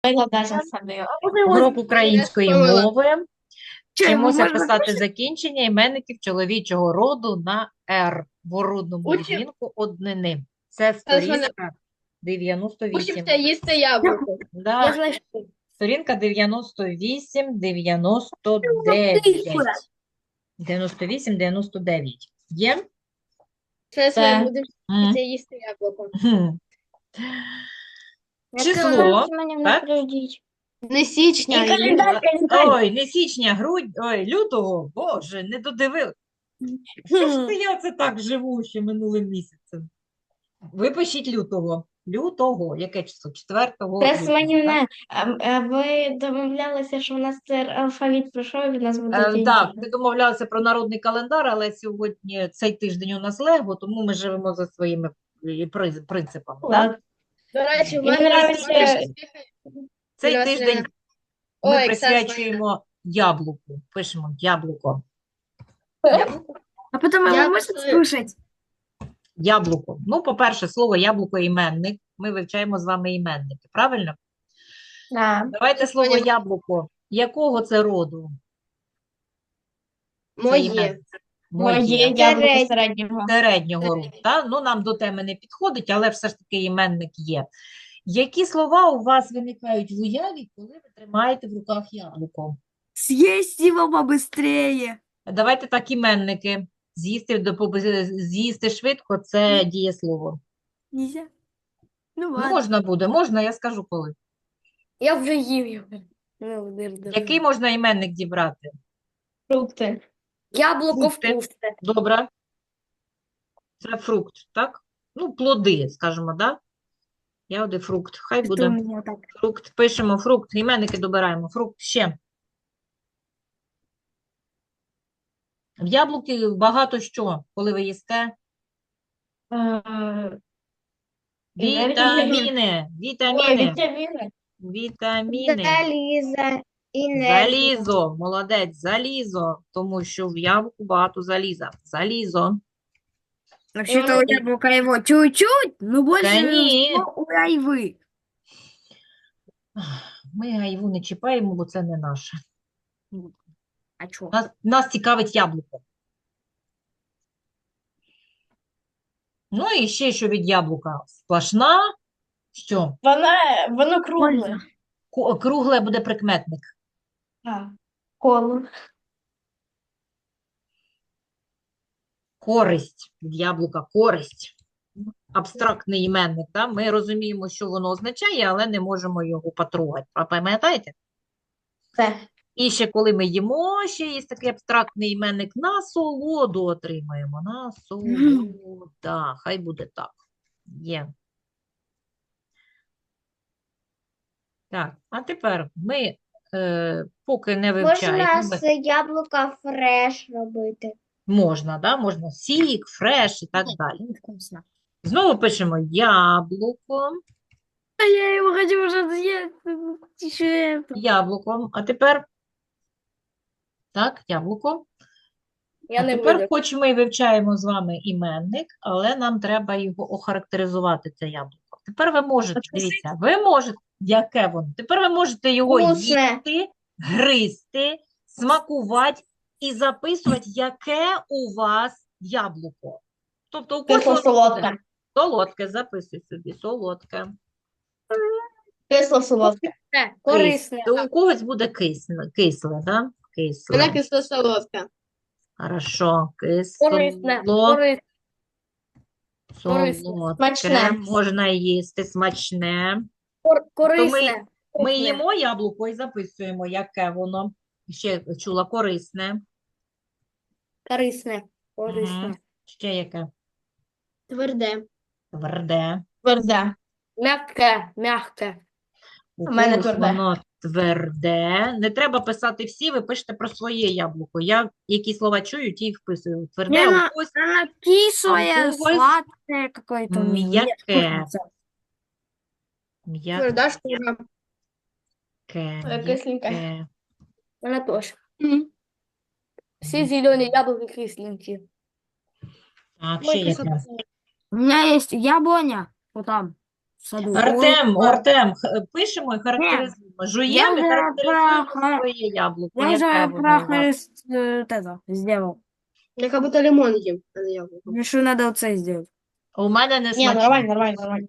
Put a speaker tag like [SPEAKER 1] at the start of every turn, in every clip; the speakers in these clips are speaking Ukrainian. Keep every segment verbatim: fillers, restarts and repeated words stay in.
[SPEAKER 1] Викладача садила.
[SPEAKER 2] Урок української мови.
[SPEAKER 3] Чай,
[SPEAKER 2] Вчимося
[SPEAKER 3] можна
[SPEAKER 2] писати закінчення іменників чоловічого роду на «р» в орудному
[SPEAKER 1] Учим,
[SPEAKER 2] відмінку однини. Це
[SPEAKER 1] зараз мене
[SPEAKER 2] сторінка дев'яносто вісім.
[SPEAKER 1] учимся їсти яблуко.
[SPEAKER 3] Я
[SPEAKER 2] Да,
[SPEAKER 3] знаю,
[SPEAKER 2] сторінка дев'яносто вісім, дев'яносто дев'ять. дев'яносто вісім, дев'яносто дев'ять. Є?
[SPEAKER 1] Зараз
[SPEAKER 2] Це.
[SPEAKER 1] ми будемо
[SPEAKER 2] М.
[SPEAKER 1] вчитися їсти яблуко.
[SPEAKER 2] Гм. Число, так?
[SPEAKER 1] Не січня,
[SPEAKER 3] І
[SPEAKER 1] а
[SPEAKER 3] календар,
[SPEAKER 1] літо.
[SPEAKER 3] календар.
[SPEAKER 2] Ой, не січня, грудь, ой, лютого, боже, не додивив. Що ж це я це так живу ще минулим місяцем? Ви пишіть лютого. Лютого. Яке число? четвертого
[SPEAKER 3] Це
[SPEAKER 2] лютого,
[SPEAKER 3] Сманівна, а, а ви домовлялися, що у нас цей алфавіт пройшов, і в нас буде
[SPEAKER 2] так? Е,
[SPEAKER 3] день.
[SPEAKER 2] Так, ми домовлялися про народний календар, але сьогодні цей тиждень у нас лего, тому ми живемо за своїми е, приз- принципами. Так?
[SPEAKER 3] Ладно.
[SPEAKER 1] До речі, в
[SPEAKER 3] Мені
[SPEAKER 1] мене
[SPEAKER 3] нравиться-
[SPEAKER 1] розповідає-
[SPEAKER 2] Цей
[SPEAKER 1] Юлія
[SPEAKER 2] тиждень
[SPEAKER 1] Василівна.
[SPEAKER 2] ми
[SPEAKER 1] Ой, Оксана
[SPEAKER 2] присвячуємо яблуку. Пишемо яблуко.
[SPEAKER 3] А потім
[SPEAKER 1] Я
[SPEAKER 3] його можна
[SPEAKER 1] просто-
[SPEAKER 3] скушати?
[SPEAKER 2] Яблуко. Ну, по-перше, слово яблуко іменник. Ми вивчаємо з вами іменники, правильно?
[SPEAKER 3] Да.
[SPEAKER 2] Давайте слово
[SPEAKER 1] Поняла.
[SPEAKER 2] яблуко. Якого це роду? Це
[SPEAKER 1] Моє.
[SPEAKER 2] іменник.
[SPEAKER 3] Моє
[SPEAKER 2] Моє.
[SPEAKER 3] яблуко середнього.
[SPEAKER 2] Середнього роду. Та? Ну, нам до теми не підходить, але все ж таки іменник є. Які слова у вас виникають в уяві, коли ви тримаєте в руках яблуко?
[SPEAKER 3] Съесть его побыстрее.
[SPEAKER 2] Давайте так, іменники. З'їсти, до- поби- з'їсти швидко – це дієслово.
[SPEAKER 3] Нельзя? Ну
[SPEAKER 2] Ну,
[SPEAKER 3] ладно.
[SPEAKER 2] можна буде, можна, я скажу коли.
[SPEAKER 3] Я вже їв його. Ну, дир-дир.
[SPEAKER 2] Який можна іменник дібрати?
[SPEAKER 3] Фрукти. Яблуко
[SPEAKER 2] Фрукти.
[SPEAKER 3] вкусне.
[SPEAKER 2] Добре. Це фрукт, так? Ну, плоди, скажімо, да? Ягоди, фрукт. Хай
[SPEAKER 3] Це у
[SPEAKER 2] буде
[SPEAKER 3] мене так.
[SPEAKER 2] фрукт. Пишемо фрукт, іменники добираємо. Фрукт ще. В яблуки багато що, коли ви їсте?
[SPEAKER 3] Е, енергія.
[SPEAKER 2] Вітаміни,
[SPEAKER 3] Ой,
[SPEAKER 2] вітаміни,
[SPEAKER 3] вітаміни.
[SPEAKER 2] вітаміни.
[SPEAKER 1] Заліза,
[SPEAKER 2] Залізо, молодець, залізо, тому що в яблуку багато заліза. Залізо.
[SPEAKER 3] Вообще-то у яблока его чуть-чуть, но больше
[SPEAKER 2] Да нет.
[SPEAKER 3] всего у айвы.
[SPEAKER 2] Ми айву не чіпаємо, бо це не наше.
[SPEAKER 3] А чё?
[SPEAKER 2] Нас, нас цікавить яблуко. Ну і ще що від яблука? Сплошна, що?
[SPEAKER 3] Вона, воно кругле.
[SPEAKER 2] Ку- Кругле буде прикметник.
[SPEAKER 3] А, коло.
[SPEAKER 2] Користь від яблука, користь. Абстрактний іменник, да? Ми розуміємо, що воно означає, але не можемо його потрогати. А пам'ятаєте?
[SPEAKER 3] Це.
[SPEAKER 2] І ще коли ми їмо, ще є такий абстрактний іменник, насолоду отримаємо. Насолода. Хай буде так. Є. Так, а тепер ми е, поки не вивчаємо.
[SPEAKER 1] Можна
[SPEAKER 2] ми-
[SPEAKER 1] з яблука фреш робити.
[SPEAKER 2] Можна, да? Можна сік, фреш і так далі.
[SPEAKER 3] Вкусно.
[SPEAKER 2] Знову пишемо яблуко,
[SPEAKER 3] А я его хочу уже съесть. Еще это.
[SPEAKER 2] яблуко. А тепер, так, яблуко.
[SPEAKER 3] Я
[SPEAKER 2] А
[SPEAKER 3] не
[SPEAKER 2] тепер
[SPEAKER 3] буду.
[SPEAKER 2] хоч ми і вивчаємо з вами іменник, але нам треба його охарактеризувати, це яблуко. Тепер ви можете, дивіться, ви можете, яке воно? Тепер ви можете його
[SPEAKER 1] Вкусне.
[SPEAKER 2] їсти, гризти, смакувати і записувати, яке у вас яблуко. Тобто у когось воно буде
[SPEAKER 3] Кисло-солодке.
[SPEAKER 2] солодке, записуй собі, солодке.
[SPEAKER 3] Кисло-солодке. Корисне.
[SPEAKER 2] Кис- У когось буде кисле, кисле, да? Кисле.
[SPEAKER 1] Вона кисло-солодка.
[SPEAKER 2] Хорошо,
[SPEAKER 3] Корисне.
[SPEAKER 2] кисло.
[SPEAKER 3] Корисне. корисне,
[SPEAKER 2] Солодке,
[SPEAKER 3] смачне.
[SPEAKER 2] можна їсти, смачне.
[SPEAKER 3] Кор-
[SPEAKER 2] То ми,
[SPEAKER 3] Корисне.
[SPEAKER 2] ми
[SPEAKER 3] Корисне.
[SPEAKER 2] їмо яблуко і записуємо, яке воно. Ще чула корисне.
[SPEAKER 3] Корисне. Корисне.
[SPEAKER 2] Мгм. Ще яке?
[SPEAKER 1] Тверде.
[SPEAKER 2] Тверде.
[SPEAKER 3] Тверде. Мягке. Мягке.
[SPEAKER 2] У
[SPEAKER 3] У мене
[SPEAKER 2] когось
[SPEAKER 3] тверде.
[SPEAKER 2] воно тверде. Не треба писати всі, ви пишете про своє яблуко. Я які слова чую, ті й вписую. Тверде,
[SPEAKER 3] Лена,
[SPEAKER 2] у когось
[SPEAKER 3] Она кислая,
[SPEAKER 2] А у когось
[SPEAKER 3] сладкая какое-то. у меня.
[SPEAKER 2] м'яке. М'яке.
[SPEAKER 1] Тверда шкура.
[SPEAKER 3] Кисленька.
[SPEAKER 2] м'яке.
[SPEAKER 3] Она тоже. Все зеленые яблоки кисленькие.
[SPEAKER 2] Так, ще яке?
[SPEAKER 3] У меня есть яблоня. Вот там.
[SPEAKER 4] в саду.
[SPEAKER 2] Артем,
[SPEAKER 4] Ой,
[SPEAKER 2] Артем, х- пишемо і характеризуємо.
[SPEAKER 4] я
[SPEAKER 2] Жуємо і
[SPEAKER 4] вже
[SPEAKER 2] характеризуємо
[SPEAKER 4] про-
[SPEAKER 2] своє яблуко.
[SPEAKER 4] я
[SPEAKER 2] Яке
[SPEAKER 4] уже
[SPEAKER 2] воно у вас?
[SPEAKER 4] прохорест э, вот это сделал.
[SPEAKER 1] Я как будто лимон ем, а не яблоко.
[SPEAKER 4] Мне что надо вот это сделать.
[SPEAKER 2] У мене не
[SPEAKER 3] Ні,
[SPEAKER 2] смачне.
[SPEAKER 3] нормально, нормально, нормально.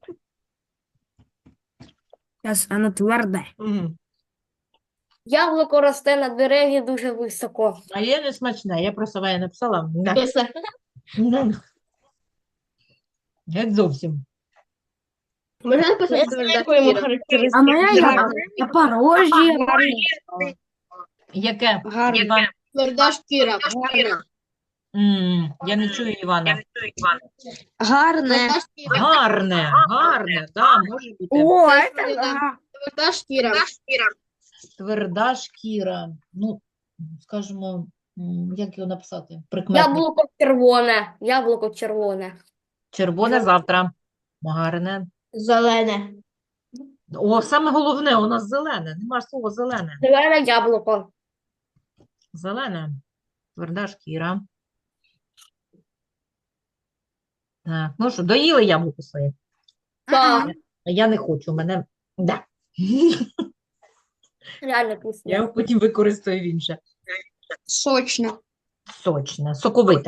[SPEAKER 4] Сейчас оно твердое.
[SPEAKER 2] Мгм.
[SPEAKER 3] Яблуко росте на дереві дуже високо.
[SPEAKER 2] А є не смачне. Я просто я написала. Да.
[SPEAKER 3] Все.
[SPEAKER 2] Ну, Геть зовсім.
[SPEAKER 1] Можно написать твердая
[SPEAKER 3] Дякуємо
[SPEAKER 1] шкіра?
[SPEAKER 4] А моя
[SPEAKER 3] характеристики.
[SPEAKER 4] яблоко Запорожье.
[SPEAKER 2] Яке?
[SPEAKER 3] Гарне.
[SPEAKER 2] Іван?
[SPEAKER 1] Твердая шкіра. Гарна.
[SPEAKER 2] М, Я не чую Івана.
[SPEAKER 3] Гарне.
[SPEAKER 1] Твердая шкіра.
[SPEAKER 2] Гарне, гарне, да, може бути.
[SPEAKER 4] О,
[SPEAKER 1] Да,
[SPEAKER 4] это
[SPEAKER 1] да.
[SPEAKER 4] да.
[SPEAKER 1] Твердая шкіра.
[SPEAKER 2] Тверда шкіра. Ну, скажімо, м, як його написати? Прикметник.
[SPEAKER 3] Яблуко червоне. Яблуко червоне.
[SPEAKER 2] Червоне завтра. Гарне.
[SPEAKER 3] Зелене.
[SPEAKER 2] О, саме головне, у нас зелене. Нема слова зелене.
[SPEAKER 3] Зелене яблуко.
[SPEAKER 2] Зелене. Тверда шкіра. Так, ну що, доїли яблуко своє?
[SPEAKER 3] Так,
[SPEAKER 2] А я не хочу, у мене... Да.
[SPEAKER 3] реально вкусно.
[SPEAKER 2] Я його потім використаю в інше.
[SPEAKER 1] Сочно.
[SPEAKER 2] Сочне, соковите.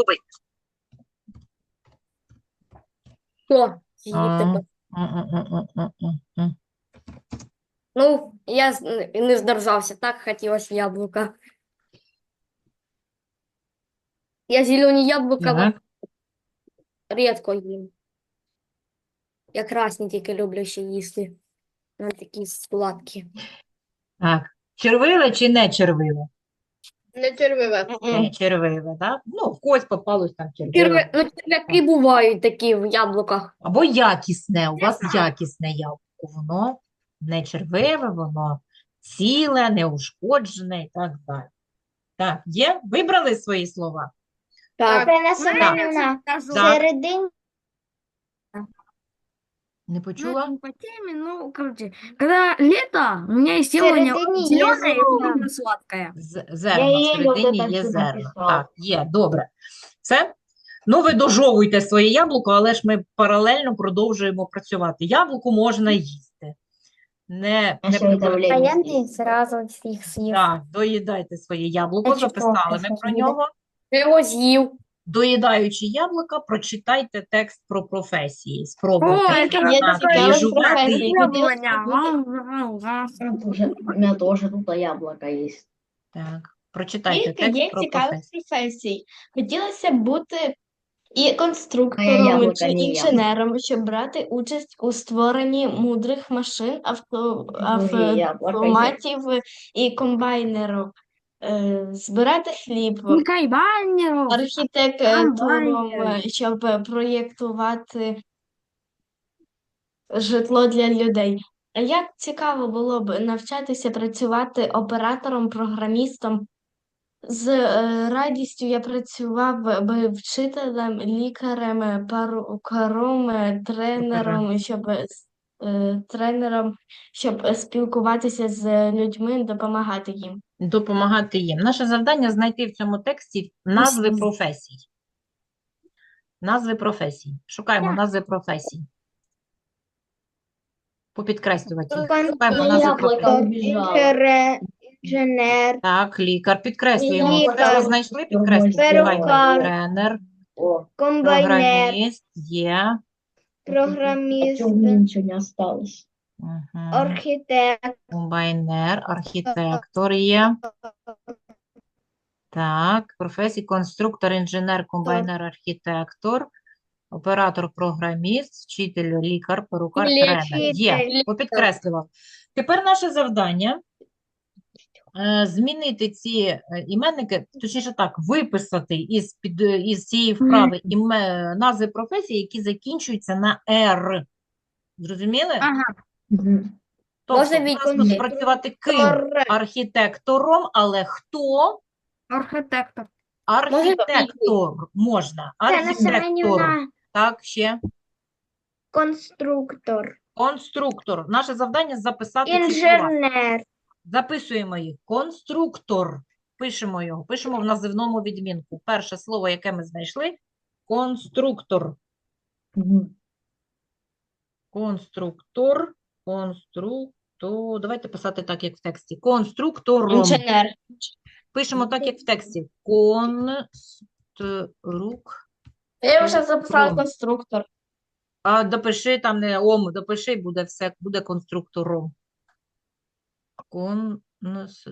[SPEAKER 3] Що?
[SPEAKER 2] А,
[SPEAKER 3] Їсти?
[SPEAKER 2] м-м-м-м-м-м.
[SPEAKER 3] Ну, я з- не здержався, так хотілося яблука. Я зелені яблука
[SPEAKER 2] Так.
[SPEAKER 3] рідко їм. Я красні тільки люблю ще їсти. Вони такі сладкі.
[SPEAKER 2] Так. Червиве чи не червиве?
[SPEAKER 1] Не червиве.
[SPEAKER 2] Не червиве, так? Ну, в когось попалось там червиве.
[SPEAKER 3] Черве- Ну, черв'яки бувають такі в яблуках.
[SPEAKER 2] Або якісне, у вас якісне яблуко. Воно не червиве, воно ціле, неушкоджене і так далі. Так, є? Вибрали свої слова?
[SPEAKER 3] Так.
[SPEAKER 1] Це
[SPEAKER 4] Семенівна,
[SPEAKER 2] Так.
[SPEAKER 1] середині.
[SPEAKER 2] Не
[SPEAKER 4] Ну,
[SPEAKER 2] почула?
[SPEAKER 4] это не по теме, ну, короче, когда лето, у меня есть яблоня
[SPEAKER 1] Середине
[SPEAKER 4] зеленая и
[SPEAKER 1] есть
[SPEAKER 4] довольно сладкая.
[SPEAKER 2] З- Зерна,
[SPEAKER 1] її
[SPEAKER 2] всередині
[SPEAKER 1] оце так
[SPEAKER 2] є
[SPEAKER 1] собі
[SPEAKER 2] зерна.
[SPEAKER 1] написала.
[SPEAKER 2] Так, є, добре. Все? Ну, ви дожовуйте своє яблуко, але ж ми паралельно продовжуємо працювати. Яблуко можна їсти. Не, не прибирайте.
[SPEAKER 3] зразу всіх з'їв.
[SPEAKER 2] Так, доїдайте своє яблуко,
[SPEAKER 3] Я читала,
[SPEAKER 2] записали ми
[SPEAKER 3] що
[SPEAKER 2] про
[SPEAKER 3] буде.
[SPEAKER 2] нього.
[SPEAKER 3] Я його з'їв.
[SPEAKER 2] Доїдаючи яблука, прочитайте текст про професії.
[SPEAKER 4] О,
[SPEAKER 2] Спробуйте
[SPEAKER 4] это
[SPEAKER 3] Є
[SPEAKER 2] знати
[SPEAKER 3] така
[SPEAKER 2] і
[SPEAKER 3] ось
[SPEAKER 2] жувати.
[SPEAKER 3] професія.
[SPEAKER 4] яблоня.
[SPEAKER 5] У меня тоже тут яблоко есть.
[SPEAKER 2] Так, прочитайте
[SPEAKER 6] Кілька
[SPEAKER 2] текст
[SPEAKER 6] є
[SPEAKER 2] про
[SPEAKER 6] цікавих
[SPEAKER 2] професії.
[SPEAKER 6] професій. Хотілося б бути і
[SPEAKER 5] Моє
[SPEAKER 6] конструктором,
[SPEAKER 5] яблуко,
[SPEAKER 6] чи
[SPEAKER 5] не
[SPEAKER 6] інженером, щоб брати участь у створенні мудрих машин, авто,
[SPEAKER 5] Моє яблуко є.
[SPEAKER 6] автоматів і комбайнерів, е, збирати хліб,
[SPEAKER 4] Кайбанеров.
[SPEAKER 6] архітектором,
[SPEAKER 4] Комбайнер.
[SPEAKER 6] щоб проєктувати житло для людей. А як цікаво було б навчатися працювати оператором, програмістом. З е, радістю я працював би вчителем, лікарем, перукаром, е, тренером, щоб е, тренером, щоб спілкуватися з людьми, допомагати їм.
[SPEAKER 2] Допомагати їм. Наше завдання знайти в цьому тексті назви
[SPEAKER 4] Мгм.
[SPEAKER 2] професій. Назви професій. Шукаємо назви професій. Попідкреслювати їх. Шукаємо назви
[SPEAKER 5] Яблоко
[SPEAKER 2] професій.
[SPEAKER 5] убежало.
[SPEAKER 1] Інженер.
[SPEAKER 2] Так, лікар. Підкреслюємо.
[SPEAKER 1] Лікар.
[SPEAKER 2] Все, ви знайшли? Підкреслюємо.
[SPEAKER 1] Перукар.
[SPEAKER 2] Тренер,
[SPEAKER 5] О,
[SPEAKER 1] Комбайнер.
[SPEAKER 2] програміст, є.
[SPEAKER 1] Програміст.
[SPEAKER 5] хотя у меня ничего не осталось.
[SPEAKER 2] Мгм.
[SPEAKER 1] Архітектор.
[SPEAKER 2] Комбайнер, архітектор є. Так, професії конструктор, інженер, комбайнер, архітектор, оператор, програміст, вчитель, лікар, перукар, тренер. Є,
[SPEAKER 1] Вчитель.
[SPEAKER 2] попідкреслював. Тепер наше завдання е, змінити ці е, іменники, точніше так, виписати із, під, із цієї вправи іме, назви професій, які закінчуються на «р». Зрозуміли?
[SPEAKER 4] Ага.
[SPEAKER 5] Мгм.
[SPEAKER 2] Тобто,
[SPEAKER 3] Можна
[SPEAKER 2] у нас
[SPEAKER 3] відповідь?
[SPEAKER 2] тут працювати ким? Архітектором, але хто?
[SPEAKER 4] Архитектор.
[SPEAKER 2] Архітектор можна. Архітектор. Так, ще.
[SPEAKER 1] Конструктор.
[SPEAKER 2] Конструктор. Наше завдання записати ці слова.
[SPEAKER 1] Інженер.
[SPEAKER 2] Записуємо їх. Конструктор. Пишемо його. Пишемо в називному відмінку. Перше слово, яке ми знайшли. Конструктор.
[SPEAKER 5] Мгм.
[SPEAKER 2] Конструктор. Конструктор. Давайте писати так, як в тексті. Конструктором.
[SPEAKER 6] Інженер.
[SPEAKER 2] Пишемо так, як в тексті. Конструк.
[SPEAKER 6] Я вже записала
[SPEAKER 2] Ром.
[SPEAKER 6] конструктор.
[SPEAKER 2] А допиши там не ом, допиши, буде все, буде конструктором. Конс...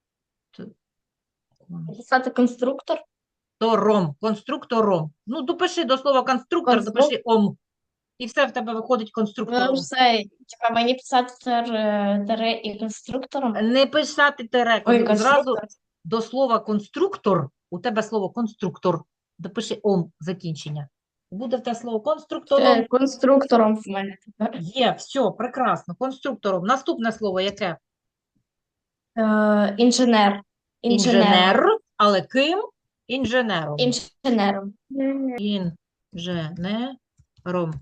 [SPEAKER 6] Записати конструктор.
[SPEAKER 2] Конструктором. Конструктором. Ну, допиши до слова конструктор,
[SPEAKER 6] Конструк-
[SPEAKER 2] допиши ом. І все в тебе виходить
[SPEAKER 6] Ну,
[SPEAKER 2] конструктором.
[SPEAKER 6] все, типа, мені писати тер- тере і конструктором.
[SPEAKER 2] Не писати тере.
[SPEAKER 6] Ой,
[SPEAKER 2] Зразу
[SPEAKER 6] конструктор.
[SPEAKER 2] до слова конструктор, у тебе слово конструктор, допиши ом закінчення. Буде в тебе слово конструктором.
[SPEAKER 6] Е, Конструктором в мене тепер.
[SPEAKER 2] Є, все, прекрасно. Конструктором. Наступне слово яке?
[SPEAKER 6] Е, Інженер. Інженером.
[SPEAKER 2] Інженер. Але ким? Інженером.
[SPEAKER 6] Інженером.
[SPEAKER 2] Інженером.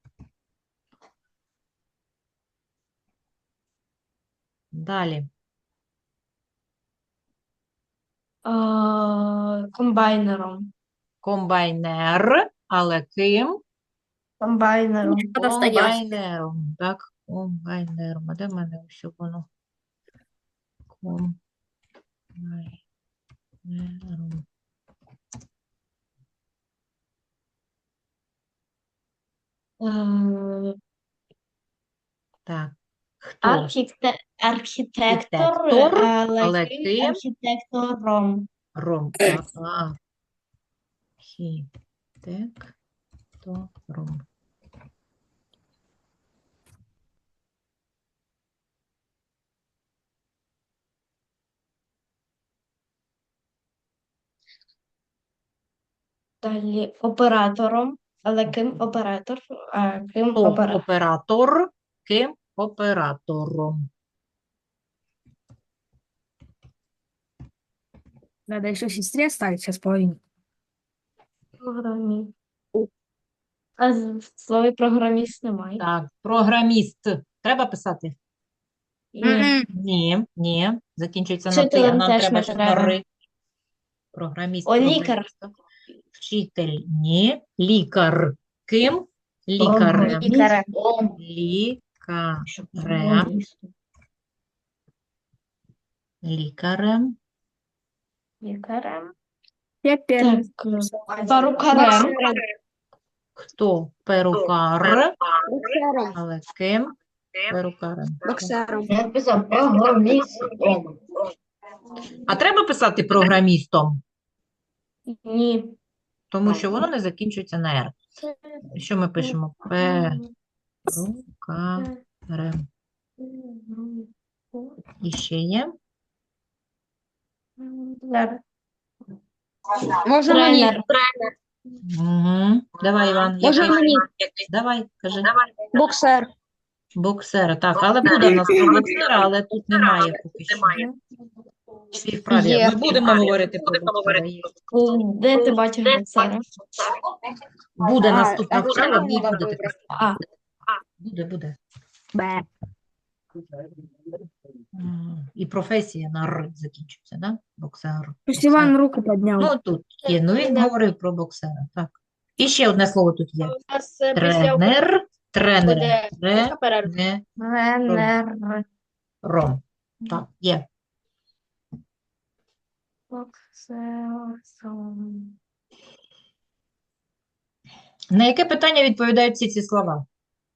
[SPEAKER 2] Далі.
[SPEAKER 6] Е, Комбайнером.
[SPEAKER 2] Комбайнер. Але ким?
[SPEAKER 6] Комбайнером.
[SPEAKER 2] Комбайнером. Так, комбайнером. А де в мене ось воно? Комбайнером.
[SPEAKER 6] Е,
[SPEAKER 2] Так. Хто?
[SPEAKER 6] Архіте- Архітектор,
[SPEAKER 2] Архітектор,
[SPEAKER 6] але
[SPEAKER 2] але
[SPEAKER 6] ким?
[SPEAKER 2] ким?
[SPEAKER 6] Архітектором.
[SPEAKER 2] Ром. Ага. Архітектором.
[SPEAKER 6] Далі оператором, але ким оператор? А ким
[SPEAKER 2] Хто
[SPEAKER 6] оператор?
[SPEAKER 2] оператор? Ким? Оператором.
[SPEAKER 4] Надо еще сестре оставить сейчас половину.
[SPEAKER 6] Програміст. А з- в слові програміст немає.
[SPEAKER 2] Так, програміст. Треба писати?
[SPEAKER 6] Ні.
[SPEAKER 2] Ні, ні. Закінчується на ти, а
[SPEAKER 6] Вчителем
[SPEAKER 2] нам
[SPEAKER 6] теж
[SPEAKER 2] треба
[SPEAKER 6] не
[SPEAKER 2] ще
[SPEAKER 6] треба.
[SPEAKER 2] на ри. Програміст.
[SPEAKER 6] О, лікар.
[SPEAKER 2] програміст. Вчитель. Ні. Лікар. Ким? Лікарем.
[SPEAKER 6] Лікарем.
[SPEAKER 5] Ом.
[SPEAKER 2] Лікарем.
[SPEAKER 5] Щоб програмістом.
[SPEAKER 2] Лікарем.
[SPEAKER 6] Лікарем.
[SPEAKER 4] Я первый.
[SPEAKER 6] Так, е, перукарем.
[SPEAKER 2] Хто? Перукар. Але ким? Перукарем.
[SPEAKER 5] Я написав програмістом.
[SPEAKER 2] А треба писати програмістом?
[SPEAKER 6] Ні.
[SPEAKER 2] Тому що воно не закінчується на «р». Що ми пишемо? Перукарем. І ще є?
[SPEAKER 6] Можна тренер.
[SPEAKER 2] Угу. Давай, Іван. який? Давай, кажи.
[SPEAKER 6] Боксер.
[SPEAKER 2] Боксер. Так, але буде в нас про боксера, але тут немає поки що. Всі вправі.
[SPEAKER 6] Є.
[SPEAKER 2] Ми будемо говорити про боксера. Є.
[SPEAKER 6] Де ти бачиш боксера?
[SPEAKER 2] Буде наступна вправа, в ній будете писати.
[SPEAKER 6] А,
[SPEAKER 2] Буде, буде.
[SPEAKER 4] Б.
[SPEAKER 2] М, І професія на «р» закінчується, да? Боксер.
[SPEAKER 4] Пусть Иван руку поднял.
[SPEAKER 2] Ну, тут є. Ну, він говорив про боксера, так. І ще одне слово тут є.
[SPEAKER 1] У нас е, після
[SPEAKER 2] Тренер. Тренер.
[SPEAKER 1] буде
[SPEAKER 2] Тренером.
[SPEAKER 1] перерва.
[SPEAKER 6] тренер.
[SPEAKER 2] Так, є.
[SPEAKER 6] Боксером.
[SPEAKER 2] На яке питання відповідають всі ці слова?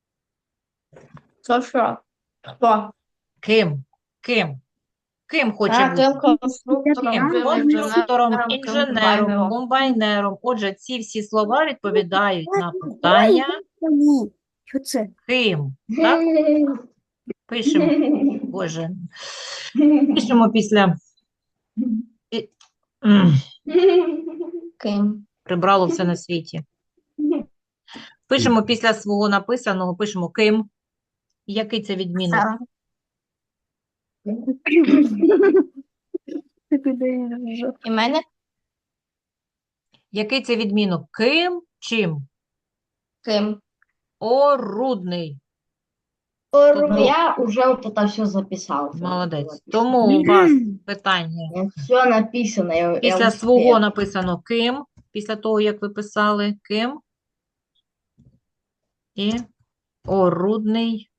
[SPEAKER 6] Що, що? Хто?
[SPEAKER 2] Ким? Ким? Ким хоче
[SPEAKER 6] А,
[SPEAKER 2] бути?
[SPEAKER 6] ким конструктором,
[SPEAKER 2] Ким?
[SPEAKER 6] ким
[SPEAKER 2] Конструктором,
[SPEAKER 6] інженером, ким
[SPEAKER 2] інженером,
[SPEAKER 6] комбайнером.
[SPEAKER 2] комбайнером. Отже, ці всі слова відповідають на питання
[SPEAKER 4] Что це?
[SPEAKER 2] ким. Так? Пишемо. Боже. Пишемо після. І- М,
[SPEAKER 6] Ким?
[SPEAKER 2] Прибрало все на світі. Пишемо після свого написаного, пишемо ким. Який це відмінок?
[SPEAKER 6] Сара. І мене?
[SPEAKER 2] Який це відмінок? Ким? Чим?
[SPEAKER 6] Ким?
[SPEAKER 2] Орудний.
[SPEAKER 1] Ору.
[SPEAKER 5] Я вже от это все записав.
[SPEAKER 2] Молодець. Тому у вас питання.
[SPEAKER 5] Все написано. Я, я
[SPEAKER 2] Після
[SPEAKER 5] успів.
[SPEAKER 2] свого написано ким, після того, як ви писали ким. І орудний.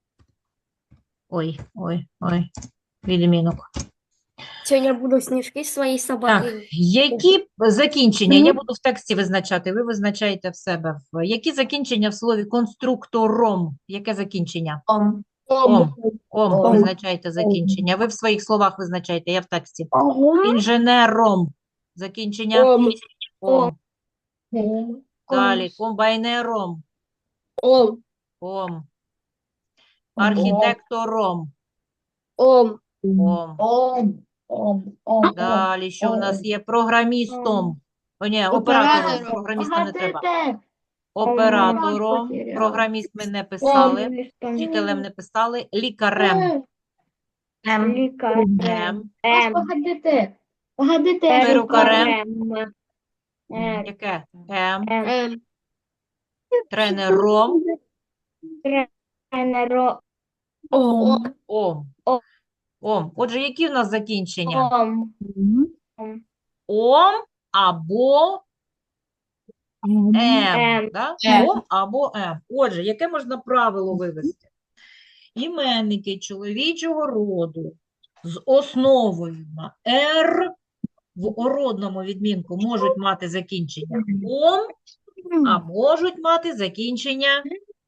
[SPEAKER 2] Ой, ой, ой. Відмінок.
[SPEAKER 1] Сегодня буду снежки своей
[SPEAKER 2] Так,
[SPEAKER 1] собакой.
[SPEAKER 2] які закінчення? Я буду в тексті визначати, ви визначаєте в себе. В- Які закінчення в слові конструктором? Яке закінчення?
[SPEAKER 6] Ом.
[SPEAKER 2] Ом. Ом.
[SPEAKER 5] Ом.
[SPEAKER 2] Визначаєте закінчення. Ви в своїх словах визначаєте, я в тексті.
[SPEAKER 4] Ого.
[SPEAKER 2] Інженером. Закінчення.
[SPEAKER 1] Ом.
[SPEAKER 2] Ом.
[SPEAKER 5] Ом.
[SPEAKER 2] Далі. Комбайнером.
[SPEAKER 1] Ом.
[SPEAKER 2] Ом. Архітектором.
[SPEAKER 1] Ом.
[SPEAKER 2] Ом.
[SPEAKER 5] Ом. Ом. Ом.
[SPEAKER 2] Далі, що в нас є? Програмістом. О, ні, оператором.
[SPEAKER 1] Оператором.
[SPEAKER 2] Програміста не треба.
[SPEAKER 5] Погодите.
[SPEAKER 2] Оператором.
[SPEAKER 5] потеряла.
[SPEAKER 2] Програміст ми не писали. Вчителем не писали. Лікарем.
[SPEAKER 6] Ем.
[SPEAKER 2] Ем.
[SPEAKER 5] Ось Погодите. Погодите.
[SPEAKER 2] Перукарем.
[SPEAKER 3] М.
[SPEAKER 2] Яке? Ем.
[SPEAKER 1] М.
[SPEAKER 2] Тренером.
[SPEAKER 3] Тренеро-
[SPEAKER 4] Ом.
[SPEAKER 2] Ом.
[SPEAKER 3] Ом.
[SPEAKER 2] Ом. Отже, які в нас закінчення?
[SPEAKER 3] Ом.
[SPEAKER 4] М.
[SPEAKER 2] Ом або
[SPEAKER 4] М.
[SPEAKER 2] ем.
[SPEAKER 3] Ем.
[SPEAKER 2] Да?
[SPEAKER 6] Ем.
[SPEAKER 2] Ом або ем. Отже, яке можна правило вивести? Іменники чоловічого роду з основою на «р» в ородному відмінку можуть мати закінчення «ом», а можуть мати закінчення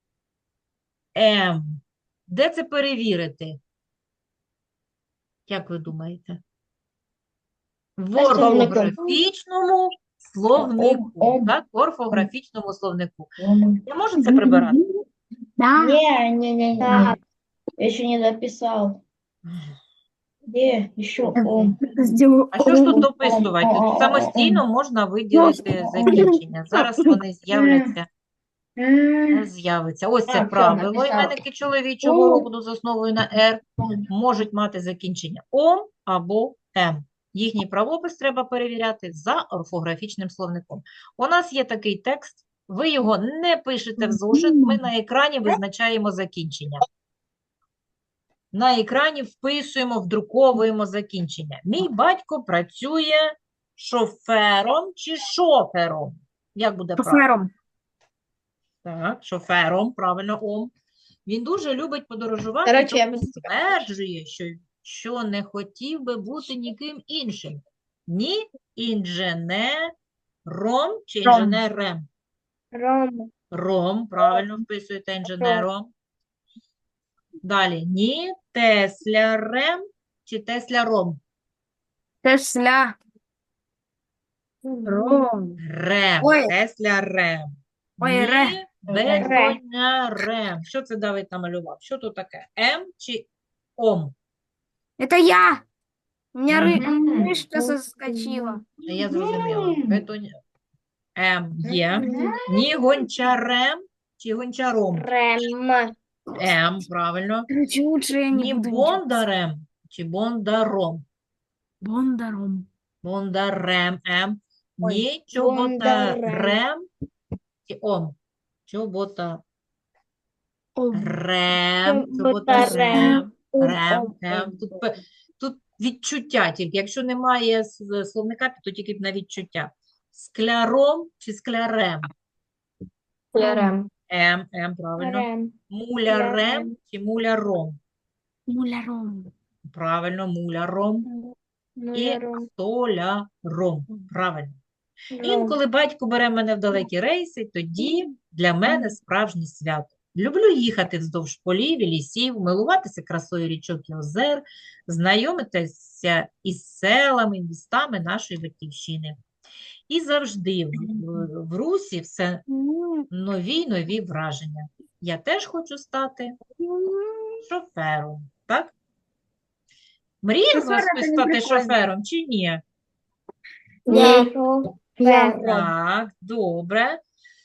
[SPEAKER 2] «ем». Де це перевірити? Як ви думаєте? В
[SPEAKER 5] словнику.
[SPEAKER 2] орфографічному словнику.
[SPEAKER 5] Ом.
[SPEAKER 2] Так, в орфографічному словнику.
[SPEAKER 5] Ом.
[SPEAKER 2] Я можу це прибирати?
[SPEAKER 4] Да.
[SPEAKER 5] Не, не, не, не.
[SPEAKER 3] Так.
[SPEAKER 5] Я еще не дописал. Где еще ом?
[SPEAKER 4] Сделаю
[SPEAKER 2] А що ж тут
[SPEAKER 4] ом.
[SPEAKER 2] дописувати? Тут
[SPEAKER 5] Ом.
[SPEAKER 2] самостійно можна виділити закінчення. Зараз вони з'являться. Не з'явиться. Ось це
[SPEAKER 5] А, все,
[SPEAKER 2] правило.
[SPEAKER 5] написала.
[SPEAKER 2] Іменники чоловічого
[SPEAKER 5] О.
[SPEAKER 2] роду з основою на «р» можуть мати закінчення «ом» або «м». Їхній правопис треба перевіряти за орфографічним словником. У нас є такий текст, ви його не пишете в зошит, ми на екрані визначаємо закінчення. На екрані вписуємо, вдруковуємо закінчення. Мій батько працює шофером чи шофером? Як буде правильно?
[SPEAKER 4] Шофером.
[SPEAKER 2] Так, шофером, правильно, ом. Він дуже любить подорожувати,
[SPEAKER 1] Коротше, я
[SPEAKER 2] тому
[SPEAKER 1] без-
[SPEAKER 2] стверджує, що, що не хотів би бути ніким іншим. Ні інженером чи
[SPEAKER 4] Ром.
[SPEAKER 2] інженерем.
[SPEAKER 3] Ром.
[SPEAKER 2] Ром, правильно вписуєте інженером. Далі, ні теслярем чи тесляром.
[SPEAKER 4] Тесля. Ром.
[SPEAKER 2] Рем,
[SPEAKER 4] Ой.
[SPEAKER 2] теслярем.
[SPEAKER 4] Ой,
[SPEAKER 2] Ні
[SPEAKER 4] ре.
[SPEAKER 2] бетонярем. Що це Давид намалював? Що тут таке? М чи ом?
[SPEAKER 4] Это я. У меня ры-
[SPEAKER 5] Мгм.
[SPEAKER 4] мышка соскочила.
[SPEAKER 2] Я зрозуміла.
[SPEAKER 5] М.
[SPEAKER 2] Бетон... М є. Ні гончарем чи гончаром?
[SPEAKER 3] Рем.
[SPEAKER 2] М, правильно.
[SPEAKER 4] Короче, лучше я не
[SPEAKER 2] Ні
[SPEAKER 4] буду ничего писать.
[SPEAKER 2] бондарем чи бондаром?
[SPEAKER 4] Бондаром.
[SPEAKER 2] Бондарем, М.
[SPEAKER 3] Ой,
[SPEAKER 2] Ні
[SPEAKER 3] бондарем.
[SPEAKER 2] чоботарем чи ом? Чоботарем,
[SPEAKER 3] Чоботарем.
[SPEAKER 2] чоботарем,
[SPEAKER 3] Ом,
[SPEAKER 2] рем,
[SPEAKER 3] ом,
[SPEAKER 2] М.
[SPEAKER 3] ом.
[SPEAKER 2] Тут, пе- тут відчуття тільки. Якщо немає с- словника, то тільки на відчуття. Скляром чи склярем?
[SPEAKER 6] Клярем.
[SPEAKER 2] М, М, правильно.
[SPEAKER 3] Рем.
[SPEAKER 2] Мулярем
[SPEAKER 3] Клярем.
[SPEAKER 2] чи муляром?
[SPEAKER 4] Муляром.
[SPEAKER 2] Правильно, муляром. І
[SPEAKER 3] Муляром.
[SPEAKER 2] столяром. Правильно.
[SPEAKER 3] Ром.
[SPEAKER 2] Інколи батько бере мене в далекі рейси, тоді для мене справжнє свято. Люблю їхати вздовж полів і лісів, милуватися красою річок і озер, знайомитися із селами, містами нашої батьківщини. І завжди в, в, в Русі все нові й нові враження. Я теж хочу стати шофером, так? Мріє з вас
[SPEAKER 4] Шофер
[SPEAKER 2] хтось
[SPEAKER 4] це не
[SPEAKER 2] стати
[SPEAKER 4] прикольно.
[SPEAKER 2] шофером чи ні?
[SPEAKER 3] Я.
[SPEAKER 2] Так, добре.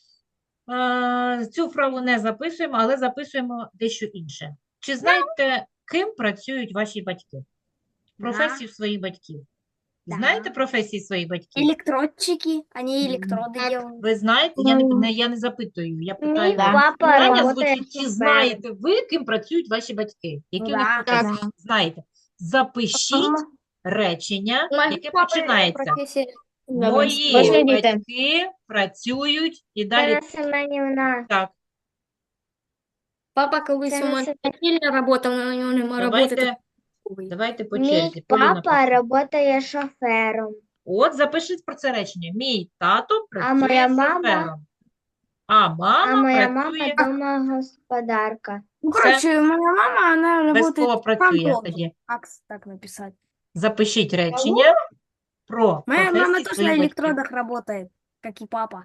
[SPEAKER 2] А, Цю вправу не записуємо, але записуємо дещо інше. Чи знаєте, ким працюють ваші батьки? Професію своїх батьків.
[SPEAKER 4] Да.
[SPEAKER 2] Знаєте професії своїх батьків?
[SPEAKER 4] Электродчики. Они электроды
[SPEAKER 1] Так.
[SPEAKER 4] делают.
[SPEAKER 2] Ви знаєте? Я не, не, я не запитую, я питаю
[SPEAKER 3] Мій
[SPEAKER 2] вас.
[SPEAKER 3] папа
[SPEAKER 2] Питання
[SPEAKER 3] работает
[SPEAKER 2] звучить, чи
[SPEAKER 3] шофером.
[SPEAKER 2] знаєте ви, ким працюють ваші батьки? Які у них
[SPEAKER 4] Да,
[SPEAKER 2] професії?
[SPEAKER 4] да.
[SPEAKER 2] Знаєте. Запишіть речення,
[SPEAKER 3] Мой
[SPEAKER 2] яке
[SPEAKER 3] папа
[SPEAKER 2] починається.
[SPEAKER 3] профессия.
[SPEAKER 2] Мої
[SPEAKER 1] Можна діти?
[SPEAKER 2] батьки працюють і далі
[SPEAKER 3] Тарас Семенівна.
[SPEAKER 2] так.
[SPEAKER 1] Папа колись
[SPEAKER 3] Це
[SPEAKER 1] у мене
[SPEAKER 3] не
[SPEAKER 1] вчитель працював, але у нього немає роботи.
[SPEAKER 2] Давайте,
[SPEAKER 1] такої.
[SPEAKER 2] давайте по
[SPEAKER 3] Мій
[SPEAKER 2] черзі. Поліна
[SPEAKER 3] папа
[SPEAKER 2] почне.
[SPEAKER 3] працює шофером,
[SPEAKER 2] От, запишіть про це речення. Мій тато
[SPEAKER 3] а моя
[SPEAKER 2] працює
[SPEAKER 3] мама,
[SPEAKER 2] шофером, а
[SPEAKER 3] а
[SPEAKER 2] мама
[SPEAKER 3] моя мама
[SPEAKER 2] працює,
[SPEAKER 3] домогосподарка.
[SPEAKER 4] Ну,
[SPEAKER 2] Все.
[SPEAKER 4] короче, моя мама, она
[SPEAKER 2] без
[SPEAKER 4] работает
[SPEAKER 2] слова працює
[SPEAKER 4] фронтом.
[SPEAKER 2] тоді.
[SPEAKER 4] Как с- так написать?
[SPEAKER 2] Запишіть речення про
[SPEAKER 4] Моя мама
[SPEAKER 2] професії
[SPEAKER 4] тоже на
[SPEAKER 2] своїх батьків.
[SPEAKER 4] электродах работает, как и папа.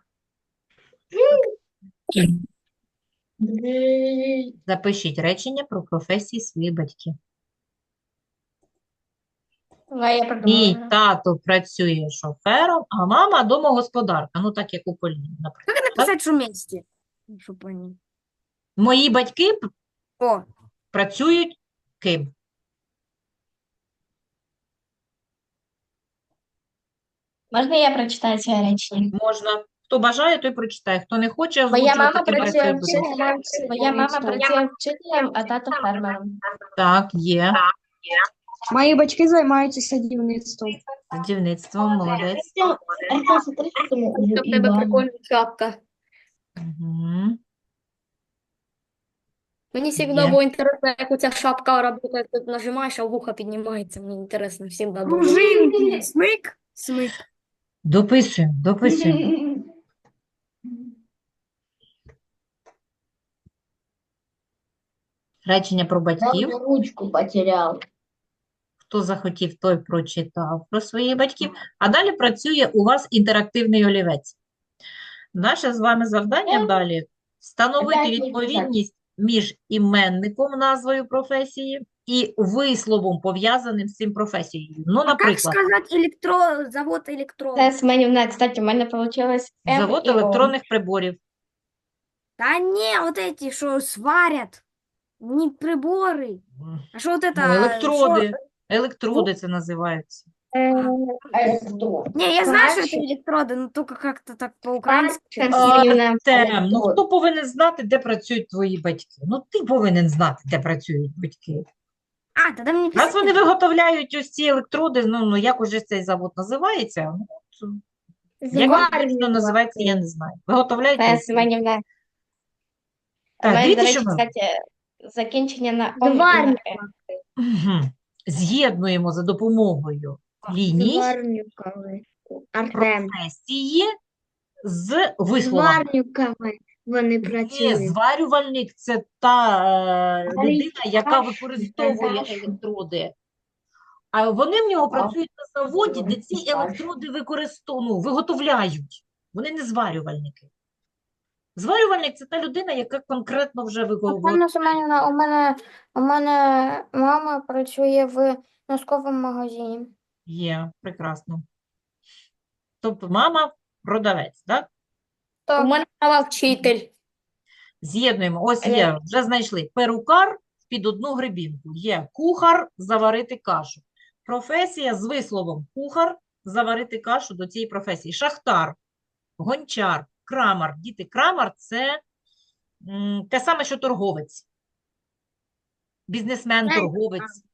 [SPEAKER 2] Запишіть речення про професії своїх батьків.
[SPEAKER 6] Давай я
[SPEAKER 2] Мій
[SPEAKER 6] придумала.
[SPEAKER 2] тато працює шофером, а мама домогосподарка. Ну, так як у Поліни, наприклад.
[SPEAKER 4] Как написать, что вместе? Чтобы они...
[SPEAKER 2] Мої батьки п-
[SPEAKER 4] О,
[SPEAKER 2] працюють ким?
[SPEAKER 6] Можна я прочитаю це речення?
[SPEAKER 2] Можна. Хто бажає, той прочитає. Хто не хоче
[SPEAKER 6] Моя
[SPEAKER 2] озвучувати,
[SPEAKER 6] мама
[SPEAKER 2] той
[SPEAKER 6] працює
[SPEAKER 2] працює без слів.
[SPEAKER 6] вчителем, моя мама працює вчителем, а тато фермером.
[SPEAKER 2] Так, є.
[SPEAKER 7] Мої батьки займаються садівництвом.
[SPEAKER 2] Садівництвом, молодець.
[SPEAKER 5] Артем, смотри, что там у
[SPEAKER 1] У тебе
[SPEAKER 5] Ивана.
[SPEAKER 1] прикольна шапка.
[SPEAKER 2] Угу.
[SPEAKER 1] Мені завжди
[SPEAKER 2] Є.
[SPEAKER 1] було інтересно, як у ця шапка працює, тут нажимаєш, а вухо піднімається. Мені інтересно, завжди було.
[SPEAKER 4] пружинки. Смык, смык.
[SPEAKER 2] Дописуємо, дописуємо. Речення про
[SPEAKER 5] Я
[SPEAKER 2] батьків.
[SPEAKER 5] уже ручку потерял.
[SPEAKER 2] Хто захотів, той прочитав про своїх батьків. А далі працює у вас інтерактивний олівець. Наше з вами завдання далі встановити
[SPEAKER 5] Опять не
[SPEAKER 2] відповідність між іменником, назвою професії, і висловом, пов'язаним з цим професією. Ну,
[SPEAKER 4] А как
[SPEAKER 2] наприклад,
[SPEAKER 4] сказать электро... завод электрод?
[SPEAKER 6] Це Семенівна, кстати, у мене вийшло М
[SPEAKER 2] завод
[SPEAKER 6] і О.
[SPEAKER 2] електронних приборів.
[SPEAKER 4] Да не, вот эти, что сварят. Не приборы. А что вот это?
[SPEAKER 2] Ну, електроди.
[SPEAKER 4] шо-
[SPEAKER 2] Електроди це називаються.
[SPEAKER 5] А что?
[SPEAKER 4] Не, я знаю, что это
[SPEAKER 3] Сварщик.
[SPEAKER 4] электроды, но только как-то так по-украински.
[SPEAKER 6] Так,
[SPEAKER 2] А,
[SPEAKER 6] Семенівна.
[SPEAKER 2] Тем, ну
[SPEAKER 5] електроди.
[SPEAKER 2] хто повинен знати, де працюють твої батьки? Ну, ти повинен знати, де працюють батьки.
[SPEAKER 4] А, тогда мне
[SPEAKER 2] Раз
[SPEAKER 4] писать.
[SPEAKER 2] вони виготовляють ось ці електроди, ну, ну як уже цей завод називається? Ну, от, як він точно називається, я не знаю. Виготовляють
[SPEAKER 6] Це
[SPEAKER 2] електроди.
[SPEAKER 6] Семенівна. У
[SPEAKER 2] Так,
[SPEAKER 6] мене, до
[SPEAKER 2] дивіться,
[SPEAKER 6] речі,
[SPEAKER 2] що ми
[SPEAKER 6] кстати, закінчення на Ом і на
[SPEAKER 3] Зварник.
[SPEAKER 6] Е.
[SPEAKER 2] Мгм. З'єднуємо за допомогою ліній
[SPEAKER 3] Зварнюковий. Артем.
[SPEAKER 2] професії з висловами.
[SPEAKER 3] Зварнюковий вони
[SPEAKER 2] Ні,
[SPEAKER 3] працюють.
[SPEAKER 2] зварювальник – це та е, людина, яка
[SPEAKER 5] Кашу,
[SPEAKER 2] використовує
[SPEAKER 5] кашу.
[SPEAKER 2] електроди. А вони в нього працюють на заводі, де ці електроди використовують, ну, виготовляють. Вони не зварювальники. Зварювальник – це та людина, яка конкретно вже виготовляє.
[SPEAKER 8] Пані Семенівна, у мене, у мене мама працює в носковому магазині.
[SPEAKER 2] Є, прекрасно. Тобто мама – продавець, так?
[SPEAKER 1] У мене мама вчитель.
[SPEAKER 2] З'єднуємо. Ось є, вже знайшли. Перукар під одну гребінку. Є кухар – заварити кашу. Професія з висловом кухар – заварити кашу до цієї професії. Шахтар, гончар, крамар. Діти, крамар – це м, те саме, що торговець. Бізнесмен, торговець.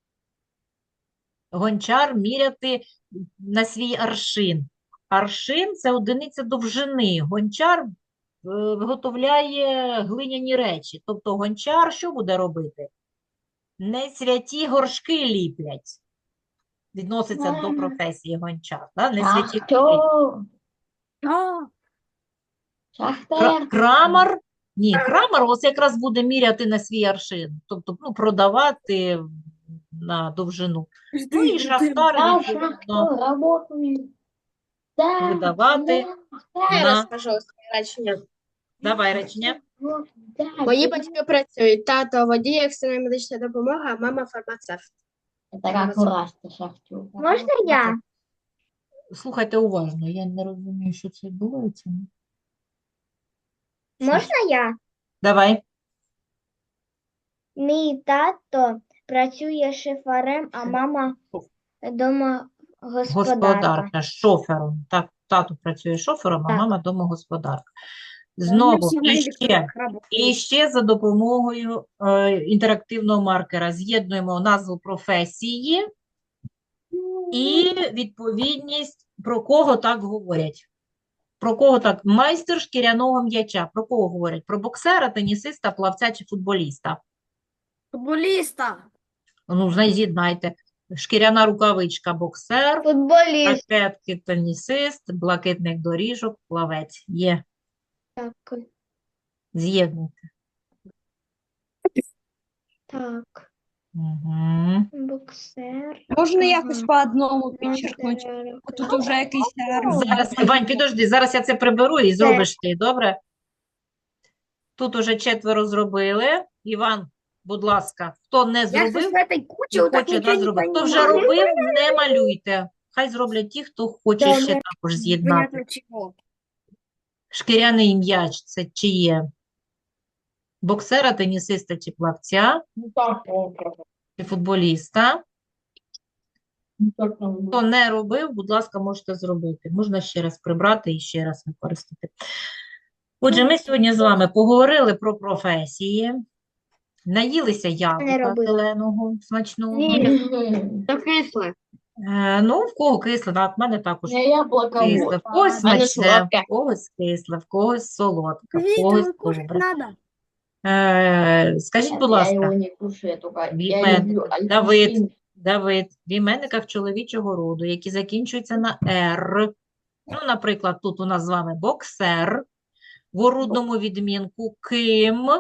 [SPEAKER 2] Гончар – міряти на свій аршин. Аршин – це одиниця довжини. Гончар е, виготовляє глиняні речі. Тобто гончар що буде робити? Не святі горшки ліплять. Відноситься до професії гончар. Да? Не святі горшки.
[SPEAKER 5] Шахтер.
[SPEAKER 4] О,
[SPEAKER 2] Кра-
[SPEAKER 5] Шахтер.
[SPEAKER 2] Крамар, ні, крамар ось якраз буде міряти на свій аршин, тобто ну, продавати на довжину. Ну і шахтар,
[SPEAKER 5] Да,
[SPEAKER 2] відповідно,
[SPEAKER 5] шахтер, работаю. Да,
[SPEAKER 2] видавати
[SPEAKER 5] да,
[SPEAKER 6] Я
[SPEAKER 2] на...
[SPEAKER 6] розкажу своє речення.
[SPEAKER 2] Давай речення.
[SPEAKER 5] вот, да.
[SPEAKER 9] Мої батьки працюють. Тато водій, екстрена медична допомога, а мама фармацевт.
[SPEAKER 5] Это как у Расти шахтер.
[SPEAKER 3] Можна я?
[SPEAKER 2] Слухайте уважно, я не розумію, що це відбувається.
[SPEAKER 3] Можна я?
[SPEAKER 2] Давай.
[SPEAKER 3] Мій тато працює шифарем, а мама дома господарка.
[SPEAKER 2] Господарка, шофером. Так, тато працює шофером, а
[SPEAKER 3] Так.
[SPEAKER 2] мама домогосподарка.
[SPEAKER 4] у меня
[SPEAKER 2] Знову,
[SPEAKER 4] все на
[SPEAKER 2] і ще.
[SPEAKER 4] электродах работают.
[SPEAKER 2] І ще за допомогою е, інтерактивного маркера з'єднуємо назву професії і відповідність, про кого так говорять. Про кого так? Майстер шкіряного м'яча. Про кого говорять? Про боксера, тенісиста, плавця чи футболіста?
[SPEAKER 4] Футболіста.
[SPEAKER 2] Ну, знай- з'єднайте. Шкіряна рукавичка боксер,
[SPEAKER 3] Футболіст.
[SPEAKER 2] ракетки тенісист, блакитних доріжок плавець. Є.
[SPEAKER 3] Так,
[SPEAKER 2] З'єднуйте.
[SPEAKER 3] так.
[SPEAKER 2] Угу.
[SPEAKER 3] Боксер.
[SPEAKER 7] Можна
[SPEAKER 3] Ага.
[SPEAKER 7] якось по одному підчеркнути? Тут уже якийсь термін.
[SPEAKER 2] Зараз, Вань, підожди, зараз я це приберу і зробиш ти, добре? Тут уже четверо зробили. Іван, будь ласка, хто не
[SPEAKER 4] Я щось
[SPEAKER 2] зробив,
[SPEAKER 4] в этой куче
[SPEAKER 2] і
[SPEAKER 4] вот так
[SPEAKER 2] хоче
[SPEAKER 4] нічого
[SPEAKER 2] да,
[SPEAKER 4] не
[SPEAKER 2] зробити. Хто вже
[SPEAKER 4] понимаю.
[SPEAKER 2] робив, не малюйте. Хай зроблять ті, хто хоче ще
[SPEAKER 4] Добре.
[SPEAKER 2] також з'єднати.
[SPEAKER 4] Понятно чого.
[SPEAKER 2] Шкіряний м'яч – це чиє? Боксера, тенісиста чи плавця,
[SPEAKER 5] Ну так, о,
[SPEAKER 2] чи футболіста.
[SPEAKER 5] ну так нам
[SPEAKER 2] Хто не робив, будь ласка, можете зробити. Можна ще раз прибрати і ще раз використати. Отже, ми сьогодні з вами поговорили про професії, наїлися яблука
[SPEAKER 3] робила.
[SPEAKER 2] зеленого, смачного.
[SPEAKER 4] Та кисле.
[SPEAKER 2] Е, ну, в кого кисле, так, в мене також
[SPEAKER 5] не яблоко,
[SPEAKER 2] кисле. В когось
[SPEAKER 6] в мене
[SPEAKER 2] смачне,
[SPEAKER 6] солодке.
[SPEAKER 2] в когось кисле, в когось солодке, в
[SPEAKER 4] Видите,
[SPEAKER 2] когось
[SPEAKER 4] ну, кушать
[SPEAKER 2] добре.
[SPEAKER 4] надо.
[SPEAKER 2] Е, скажіть, будь
[SPEAKER 5] Я
[SPEAKER 2] ласка,
[SPEAKER 5] его не кушаю, только
[SPEAKER 2] в
[SPEAKER 5] я
[SPEAKER 2] іменниках,
[SPEAKER 5] люблю
[SPEAKER 2] Давид,
[SPEAKER 5] апельсин.
[SPEAKER 2] Давид, в іменниках чоловічого роду, які закінчуються на «р». Ну, наприклад, тут у нас з вами боксер, в орудному відмінку ким.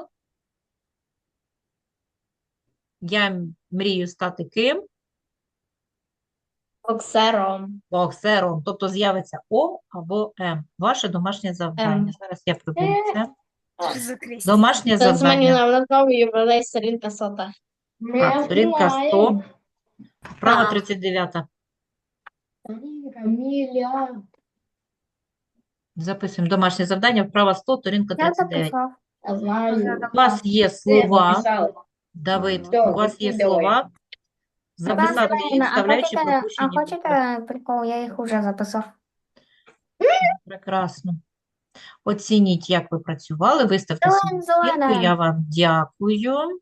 [SPEAKER 2] Я м- мрію стати ким?
[SPEAKER 3] Боксером.
[SPEAKER 2] Боксером. Тобто з'явиться О або М. Ваше домашнє завдання.
[SPEAKER 6] М.
[SPEAKER 2] Зараз я приберу це.
[SPEAKER 4] Закрестись.
[SPEAKER 2] Домашнє
[SPEAKER 6] Це
[SPEAKER 2] завдання.
[SPEAKER 6] змінює на знову ювілей сторінка сота.
[SPEAKER 5] Мы
[SPEAKER 2] Так, сторінка сто,
[SPEAKER 5] знаем.
[SPEAKER 2] вправа
[SPEAKER 6] Так.
[SPEAKER 2] тридцять дев'ята.
[SPEAKER 5] Камиля.
[SPEAKER 2] Записуємо домашнє завдання, вправа сто, сторінка
[SPEAKER 8] Я
[SPEAKER 2] тридцять дев'ять.
[SPEAKER 8] записав.
[SPEAKER 5] Я знаю.
[SPEAKER 2] У вас є
[SPEAKER 5] Ты
[SPEAKER 2] слова,
[SPEAKER 5] написал.
[SPEAKER 2] Давид,
[SPEAKER 5] Всё,
[SPEAKER 2] у вас є
[SPEAKER 5] закидывай.
[SPEAKER 2] слова, записати їх,
[SPEAKER 8] Ладно, а
[SPEAKER 2] вставляючи
[SPEAKER 8] хочете, а
[SPEAKER 2] пропущені букви.
[SPEAKER 8] хочете прикол? Я їх уже записав.
[SPEAKER 2] Прекрасно. Оцініть, як ви працювали, виставте
[SPEAKER 8] Зелень,
[SPEAKER 2] свої
[SPEAKER 8] зелена.
[SPEAKER 2] оцінки. Я вам дякую.